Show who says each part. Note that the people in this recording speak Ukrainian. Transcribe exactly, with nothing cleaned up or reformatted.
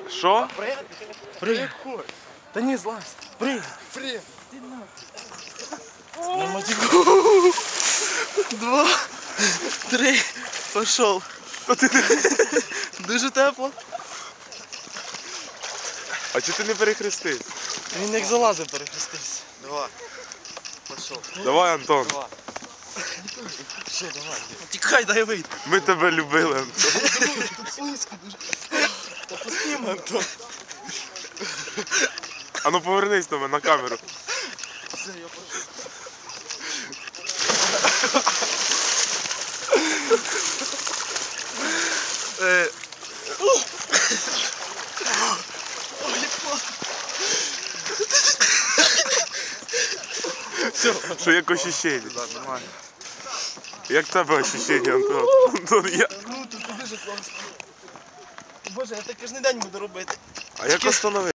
Speaker 1: Що?
Speaker 2: Прыгай. Да не злазь. Прыгай.
Speaker 3: Фри.
Speaker 2: На мотику. Два, три. Пошел. Дуже тепло.
Speaker 1: А чи ти не перехрестив?
Speaker 2: Він як залазив перехрестився.
Speaker 3: Два. Пошел.
Speaker 1: Давай, Антон.
Speaker 3: Два. Все, давай.
Speaker 2: Тікай, дай вийти.
Speaker 1: Ми тебе любили, Антон.
Speaker 2: Тут слизько дуже. Та посніми, Антон.
Speaker 1: А ну повернись до мене на камеру.
Speaker 2: Все, я пошел. Е. Ой, як класно. Все.
Speaker 1: Що як ощущення?
Speaker 2: Так, нормально.
Speaker 1: Як в тебе ощущення, Антон? Антон, я...
Speaker 2: Круто, це дуже класно. Боже, я так кожен день буду робити.
Speaker 1: А як остановити?